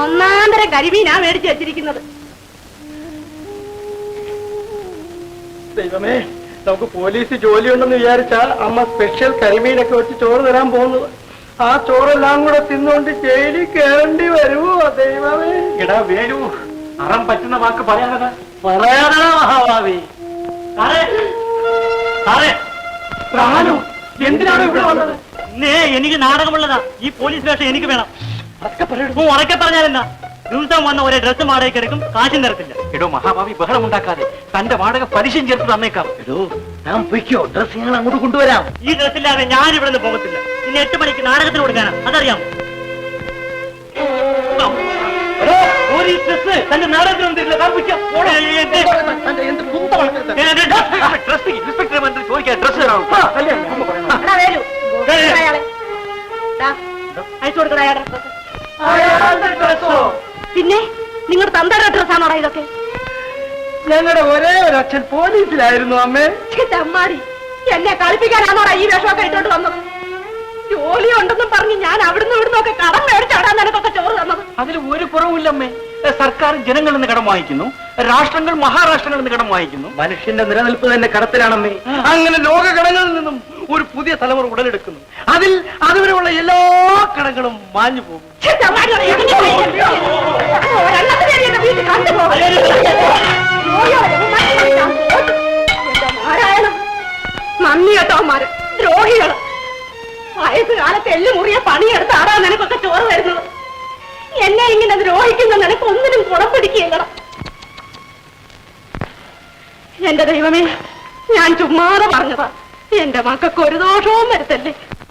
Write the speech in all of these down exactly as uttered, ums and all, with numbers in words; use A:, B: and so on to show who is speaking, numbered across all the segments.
A: ഒന്നാന്തര കരിമീനാ മേടിച്ചു വെച്ചിരിക്കുന്നത്.
B: ദൈവമേ, നമുക്ക് പോലീസ് ജോലിയുണ്ടെന്ന് വിചാരിച്ചാ അമ്മ സ്പെഷ്യൽ കരിമീനൊക്കെ വെച്ച് ചോറ് തരാൻ പോകുന്നത്. ആ ചോറെല്ലാം കൂടെ തിന്നുകൊണ്ട് ജയിലിൽ കയറേണ്ടി വരുമോ ദൈവമേ?
C: എടാ വേലു, അറം പറ്റുന്ന വാക്ക് പറയാതെ
B: പറയാതാ മഹാഭാവി. എന്തിനാണ് ഇവിടെ വന്നത്?
C: എനിക്ക് നാടകമുള്ളതാ. ഈ പോലീസ് വേഷം എനിക്ക് വേണം. ഉറക്കെ പറഞ്ഞാലെന്താ? ദിവസം വന്ന ഒരേ ഡ്രസ്സ് വാടകയ്ക്ക് എടുക്കും, കാശും തരത്തില്ല. എടോ മഹാഭാവി, ബഹളം ഉണ്ടാക്കാതെ തന്റെ വാടക പലിശയും ചേർത്ത് തന്നേക്കാം.
B: എടോ ഞാൻ പൊയ്ക്കോ, ഡ്രസ് ഞങ്ങൾ അങ്ങോട്ട് കൊണ്ടുവരാം.
C: ഈ ഡ്രസ്സില്ലാതെ ഞാൻ ഇവിടെ നിന്ന് പോകത്തില്ല. ഇനി എട്ട് മണിക്ക് നാടകത്തിന് കൊടുക്കാനാ, അതറിയാം. തന്റെ നാടകത്തിന് ചോദിക്കാൻ ഡ്രസ് തരാം.
A: അയച്ചു കൊടുക്കണ. പിന്നെ നിങ്ങളുടെ തന്തയുടെ ഡ്രസ്സാണോടാ ഇതൊക്കെ?
B: ഞങ്ങളുടെ ഒരേ ഒരു അച്ഛൻ പോലീസിലായിരുന്നു അമ്മേ.
A: അമ്മാടി, എന്നെ കളിപ്പിക്കാനാണോടാ ഈ വേഷമൊക്കെ ഇട്ടോണ്ട് വന്നത്? ജോലി ഉണ്ടെന്നും പറഞ്ഞ് ഞാൻ അവിടുന്ന് ഇവിടുന്ന് ഒക്കെ കടം മേടിച്ചാടാ നിനക്കൊക്കെ ചോറ് തന്നത്.
C: അതിൽ ഒരു കുറവുമില്ലമ്മേ. സർക്കാർ ജനങ്ങളിൽ നിന്ന് കടം വാങ്ങിക്കുന്നു, രാഷ്ട്രങ്ങൾ മഹാരാഷ്ട്രങ്ങളിൽ നിന്ന് കടം വാങ്ങിക്കുന്നു.
B: മനുഷ്യന്റെ നിലനിൽപ്പ് തന്നെ കടത്തിലാണമ്മേ. അങ്ങനെ ലോക കടങ്ങളിൽ നിന്നും ഒരു പുതിയ തലമുറ ഉടലെടുക്കുന്നു. അതിൽ അതുവരെയുള്ള എല്ലാ കടങ്ങളും മാഞ്ഞു പോകും.
A: നന്ദി കേട്ടോമാര് ദ്രോഹികള്. വയസ്സുകാലത്ത് എല്ലു മുറിയ പണിയെടുത്താടാ നിനക്കൊക്കെ ചോറ് വരുന്നത്. എന്നെ ഇങ്ങനെ ദ്രോഹിക്കുന്ന നിനക്ക് ഒന്നിനും കുണം പിടിക്കുകയില്ല. എന്റെ ദൈവമേ, ഞാൻ ചുമ്മാതെ പറഞ്ഞതാ. എന്റെ മക്കൾക്ക് ഒരു ദോഷവും വരുത്തല്ലേ.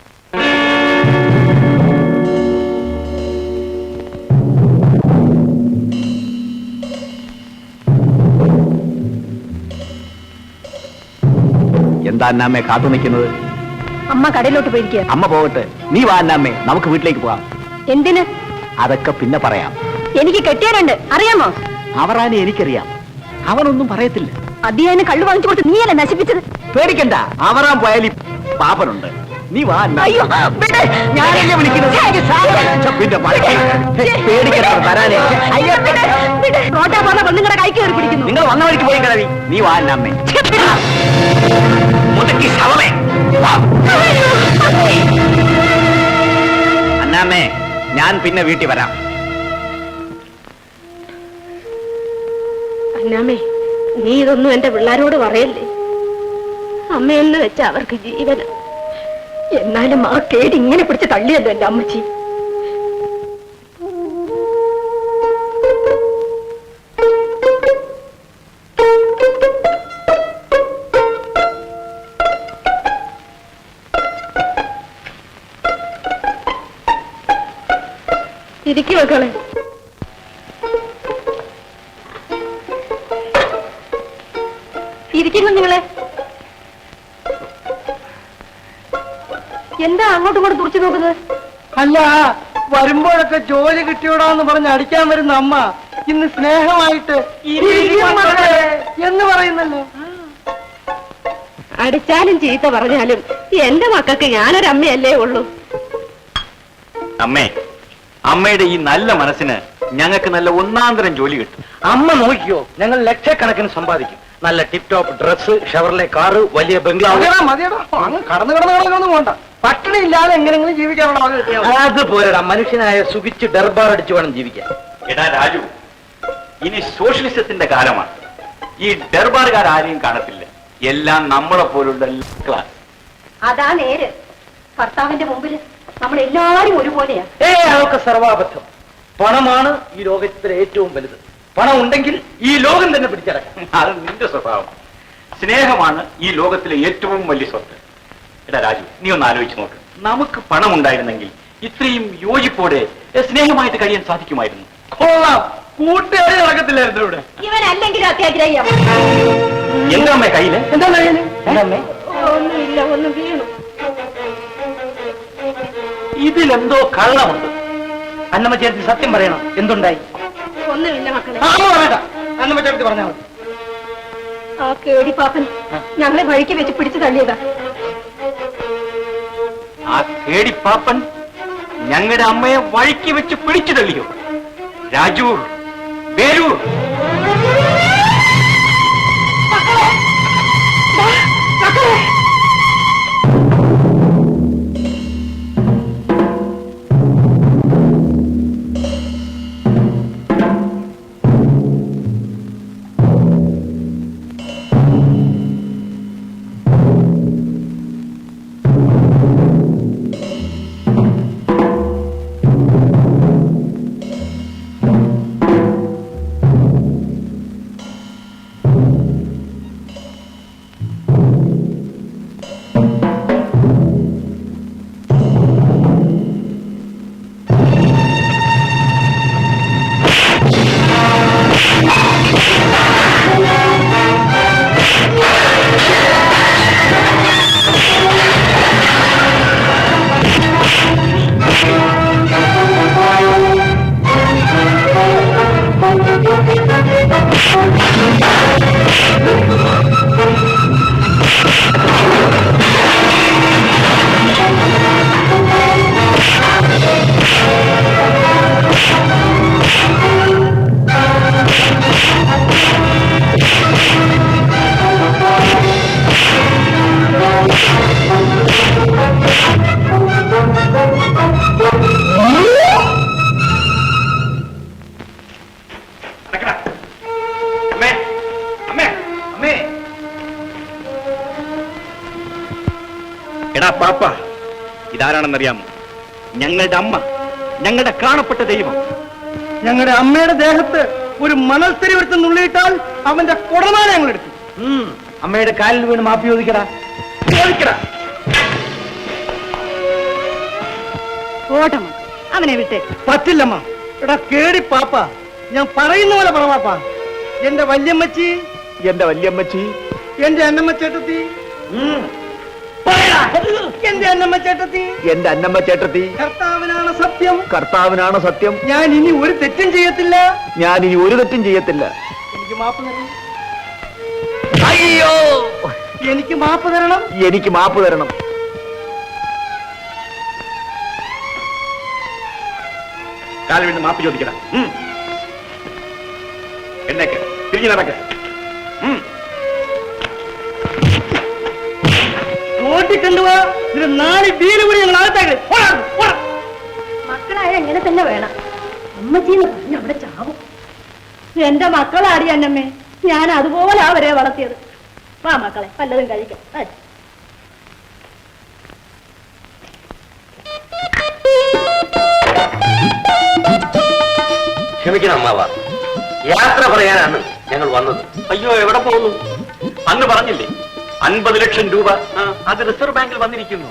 D: എന്താ അന്നാമ്മേ കാത്തു നിൽക്കുന്നത്?
A: അമ്മ കടയിലോട്ട് പോയിരിക്കുക.
D: അമ്മ പോകട്ടെ, നീ വാ അന്നാമ്മേ, നമുക്ക് വീട്ടിലേക്ക് പോവാം.
A: എന്തിന്?
D: അതൊക്കെ പിന്നെ പറയാം.
A: എനിക്ക് കെട്ടിയാലുണ്ട്, അറിയാമോ?
D: അവറാനെ എനിക്കറിയാം, അവനൊന്നും പറയത്തില്ല.
A: അതിയാന് കള്ളു വാങ്ങിച്ചു കൊടുത്ത് നീയല്ലേ നശിപ്പിച്ചത്.
D: പേടിക്കണ്ട, അവറാൻ പോയാൽ പെണ്ണുണ്ട്. നീ വാ.
A: ഞാനല്ലേ
D: വിളിക്കുന്നത്? പിന്നെ പേടിക്കണ്ട വരാനേ.
A: റോട്ടാ പോകുന്ന പെണ്ണുങ്ങളുടെ കൈ കയറി പിടിക്കുന്നു.
D: നിങ്ങൾ വന്ന വഴിക്ക് പോയി കിടവി. നീ വാ അന്നാമ്മേ. മുതുക്കി ശവമേ. അന്നാമ്മേ, ഞാൻ പിന്നെ വീട്ടിൽ വരാം.
A: അന്നാമ്മേ, നീ ഇതൊന്നും എന്റെ പിള്ളേരോട് പറയല്ലേ. അമ്മയെന്ന് വെച്ച അവർക്ക് ജീവന. എന്നാലും ആ കേട് ഇങ്ങനെ പിടിച്ച് തള്ളിയല്ലോ എന്റെ അമ്മച്ചി. ഇരിക്കു മക്കളെ. ഇരിക്കുന്നു നിങ്ങളെ. എന്താ അങ്ങോട്ടും ഇങ്ങോട്ട് തുറച്ചു നോക്കുന്നത്?
B: അല്ല, വരുമ്പോഴൊക്കെ ജോലി കിട്ടിയോടാന്ന് പറഞ്ഞ് അടിക്കാൻ വരുന്ന അമ്മ ഇന്ന് സ്നേഹമായിട്ട് എന്ന് പറയുന്നല്ലോ.
A: അടിച്ചാലും ചീത്ത പറഞ്ഞാലും എന്റെ മക്കൾക്ക് ഞാനൊരമ്മയല്ലേ ഉള്ളൂ.
C: അമ്മേ, അമ്മയുടെ ഈ നല്ല മനസ്സിന് ഞങ്ങൾക്ക് നല്ല ഒന്നാന്തരം ജോലി കിട്ടും.
B: അമ്മ നോക്കിയോ, ഞങ്ങൾ ലക്ഷക്കണക്കിന് സമ്പാദിക്കും. നല്ല tip top dress, Chevrolet car, വലിയ ബംഗ്ലാവ്. മതിയടോ, അങ്ങ് കടന്നു കടന്നു കടന്നു പോണ്ട. പട്ടിണി ഇല്ലാതെ എങ്ങനെങ്കിലും ജീവിക്കാനുള്ള അത് പോരടാ. മനുഷ്യനായ സുഖിച്ച് ഡർബാർ അടിച്ചു വേണം ജീവിക്കാൻ.
C: എടാ രാജു, ഇനി സോഷ്യലിസത്തിന്റെ കാലമാണ്. ഈ ഡർബാറുകാർ ആരെയും കാണത്തില്ല. എല്ലാം നമ്മളെ പോലുള്ള ക്ലാസ്.
A: അതാ നേര്. ഭർത്താവിന്റെ മുമ്പിൽ നമ്മൾ എല്ലാവരും ഒരുപോലെയാ.
B: ഏ അതൊക്കെ സർവാബദ്ധം. പണമാണ് ഈ ലോകത്തിലെ ഏറ്റവും വലുത്. പണം ഉണ്ടെങ്കിൽ ഈ ലോകം തന്നെ പിടിച്ചടക്കാം.
C: അത് നിന്റെ സ്വഭാവം. സ്നേഹമാണ് ഈ ലോകത്തിലെ ഏറ്റവും വലിയ സ്വത്ത്. എടാ രാജു, നീ ഒന്ന് ആലോചിച്ച് നോക്ക്. നമുക്ക് പണം ഉണ്ടായിരുന്നെങ്കിൽ ഇത്രയും യോജിപ്പോടെ സ്നേഹമായിട്ട് കഴിയാൻ സാധിക്കുമായിരുന്നു.
B: കൊള്ളാം, കൂട്ടുകാരി നടക്കത്തില്ലായിരുന്നു ഇവിടെ.
A: ഇവനല്ലെങ്കിലും അത്യാഗ്രഹിയാ.
C: എന്താ അമ്മേ കയ്യില്?
B: എന്താ കയ്യില്? എന്താ?
A: ഒന്നുമില്ല, ഒന്ന് വീണു.
B: ഇതിലെന്തോ കള്ളമുണ്ട്. അന്നമ്മ ചേർത്ത് സത്യം പറയണം, എന്തുണ്ടായി?
A: ഒന്നുമില്ല മക്കളെ.
B: അന്നമ്മ ചേർത്ത് പറഞ്ഞാൽ മതി.
A: ആ കേടിപ്പാപ്പൻ ഞങ്ങളെ വഴിക്ക് വെച്ച് പിടിച്ചു തള്ളിയതാ.
C: ആ കേടിപ്പാപ്പൻ ഞങ്ങളുടെ അമ്മയെ വഴിക്ക് വെച്ച് പിടിച്ചു തള്ളിയോ? രാജു, വേലൂർ.
A: മക്കളെ ദാ, മക്കളെ
C: അമ്മേ, അമ്മേ, അമ്മേ. എടാ പാപ്പ, ഇതാരാണെന്നറിയാമോ? ഞങ്ങളുടെ അമ്മ, ഞങ്ങളുടെ കാണപ്പെട്ട ദൈവം.
B: ഞങ്ങളുടെ അമ്മയുടെ ദേഹത്ത് ഒരു മണൽത്തരി എടുത്ത് നുള്ളിയിട്ടാൽ അവന്റെ കുടമാല ഞങ്ങൾ എടുക്കും. അമ്മയുടെ കാലിൽ വീണ് മാപ്പി ചോദിക്കടാ, ചോദിക്കടാ.
A: ഓട്ടം അവനെ വിട്ടേ.
B: പറ്റില്ലമ്മ. എടാ കേടി പാപ്പ, ഞാൻ പറയുന്ന പോലെ പറ പാപ്പ. എന്റെ വല്യമ്മച്ചി,
D: എന്റെ വല്യമ്മച്ചി,
B: എന്റെ അന്നമ്മ ചേട്ടത്തി, എന്റെ അന്നമ്മ ചേട്ടത്തി,
D: എന്റെ അന്നമ്മ ചേട്ടത്തി,
B: കർത്താവിനാണ് സത്യം,
D: കർത്താവിനാണ് സത്യം.
B: ഞാൻ ഇനി ഒരു തെറ്റും ചെയ്യത്തില്ല.
D: ഞാൻ ഇനി ഒരു തെറ്റും ചെയ്യത്തില്ല.
B: എനിക്ക് മാപ്പ് തരണം,
D: അയ്യോ,
B: എനിക്ക് മാപ്പ് തരണം.
D: എനിക്ക് മാപ്പ് തരണം.
C: കാലിൽ വീണ് മാപ്പ് ചോദിക്കടാ. എന്നേക്ക് തിരിഞ്ഞു നടക്ക്.
B: ഓട്ടിക്കൊണ്ടുപോവാ. ഇതിന് നാല് വീല് കൂടി ഞങ്ങൾ അകത്തേക്ക്.
A: മക്കളായ എങ്ങനെ തന്നെ വേണം. അമ്മച്ചീന്ന് പറഞ്ഞ അവിടെ ചാവും. എന്റെ മക്കളാടി അന്നമ്മേ, ഞാൻ അതുപോലെ അവരെ വളർത്തിയത്. വാ മക്കളെ, പലതും കഴിക്കാം.
B: ക്ഷമിക്കണം അമ്മാവ, യാത്ര പറയാനാണ് ഞങ്ങൾ വന്നത്.
C: അയ്യോ, എവിടെ പോകുന്നു? അന്ന് പറഞ്ഞില്ലേ അൻപത് ലക്ഷം രൂപ അത് റിസർവ് ബാങ്കിൽ വന്നിരിക്കുന്നു.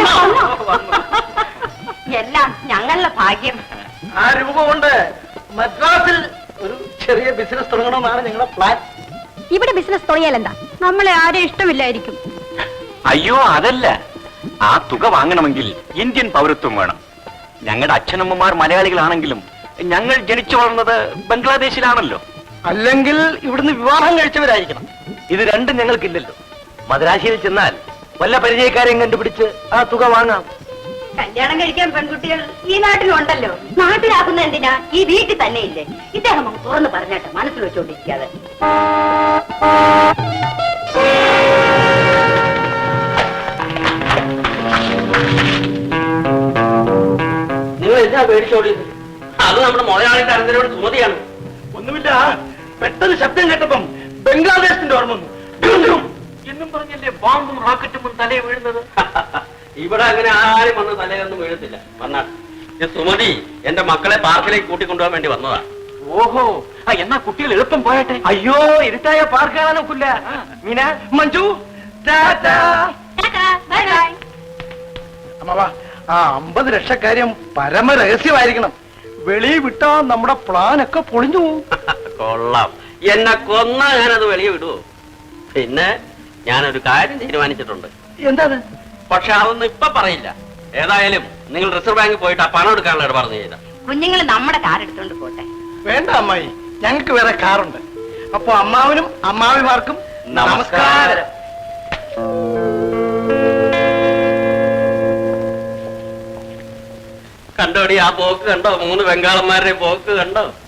A: എല്ലാം ഞങ്ങളുടെ ഭാഗ്യം.
B: ആ രൂപ കൊണ്ട് മദ്രാസിൽ ഒരു ചെറിയ ബിസിനസ് തുടങ്ങണമെന്നാണ് ഞങ്ങളുടെ പ്ലാൻ.
A: ഇവിടെ ബിസിനസ് തുടങ്ങിയാൽ എന്താ? നമ്മളെ ആരും ഇഷ്ടമില്ലായിരിക്കും.
C: അയ്യോ, അതല്ല. ആ തുക വാങ്ങണമെങ്കിൽ ഇന്ത്യൻ പൗരത്വം വേണം. ഞങ്ങളുടെ അച്ഛനമ്മമാർ മലയാളികളാണെങ്കിലും ഞങ്ങൾ ജനിച്ചു വളർന്നത് ബംഗ്ലാദേശിലാണല്ലോ.
B: അല്ലെങ്കിൽ ഇവിടുന്ന് വിവാഹം കഴിച്ചവരായിരിക്കണം. ഇത് രണ്ടും ഞങ്ങൾക്കില്ലല്ലോ. മദ്രാശിയിൽ ചെന്നാൽ വല്ല പരിചയക്കാരെയും കണ്ടുപിടിച്ച് ആ തുക വാങ്ങാം.
A: കല്യാണം കഴിക്കാൻ പെൺകുട്ടികൾ ഈ നാട്ടിലുണ്ടല്ലോ. നാട്ടിലാക്കുന്ന എന്തിനാ? ഈ വീട്ടിൽ തന്നെ ഇല്ലേ? ഇദ്ദേഹം അങ്ങ് തുറന്ന് പറഞ്ഞാട്ടെ, മനസ്സിൽ വെച്ചോണ്ടിരിക്കാതെ.
B: നിങ്ങൾ എന്താ പേടിച്ചോടിയത്? അത് നമ്മുടെ മുതലാളി തരത്തിനോട് സുമതിയാണ്.
C: ഒന്നുമില്ല, പെട്ടെന്ന് ശബ്ദം കേട്ടപ്പം ബംഗ്ലാദേശിന്റെ ഓർമ്മ വന്നു. എന്നും പറഞ്ഞല്ലേ ബോംബും റോക്കറ്റും തലയെ വീഴുന്നത്.
B: ഇവിടെ അങ്ങനെ ആരും വന്ന് തലയൊന്നും വീഴത്തില്ല. വന്നാൽ സുമതി എന്റെ മക്കളെ പാർക്കിലേക്ക് കൂട്ടിക്കൊണ്ടുപോകാൻ വേണ്ടി വന്നതാ.
C: ഓഹോ, ആ എന്നാ കുട്ടികൾ എളുപ്പം പോയട്ടെ.
B: അയ്യോ, ഇരുട്ടായ പാർക്ക് കാണാൻ ഒക്കില്ല. മീന, മഞ്ജു, ടാറ്റാ. അമ്മാവാ, ആ അമ്പത് ലക്ഷക്കാര്യം പരമ രഹസ്യമായിരിക്കണം. വെളിയിൽ വിട്ടാ നമ്മുടെ പ്ലാൻ ഒക്കെ പൊളിഞ്ഞു പോകും.
E: കൊള്ളാം. എന്നെ കൊന്നാ ഞാനത് വെളിയെ വിടുവോ? പിന്നെ ഞാനൊരു കാര്യം തീരുമാനിച്ചിട്ടുണ്ട്.
B: എന്താ?
E: പക്ഷെ അതൊന്നും ഇപ്പൊ പറയില്ല. ഏതായാലും നിങ്ങൾ റിസർവ് ബാങ്കിൽ പോയിട്ട് ആ പണം എടുക്കാനുള്ള ഇടപാട് ചെയ്ത.
A: കുഞ്ഞുങ്ങൾ നമ്മുടെ കാർ എടുത്തോണ്ട് പോട്ടെ.
B: വേണ്ട അമ്മായി, ഞങ്ങൾക്ക് വേറെ കാറുണ്ട്. അപ്പൊ അമ്മാവനും അമ്മാവിമാർക്കും
E: നമസ്കാരം. കണ്ടോടി ആ പോക്ക് കണ്ടോ? മൂന്ന് ബംഗാളന്മാരുടെ പോക്ക് കണ്ടോ?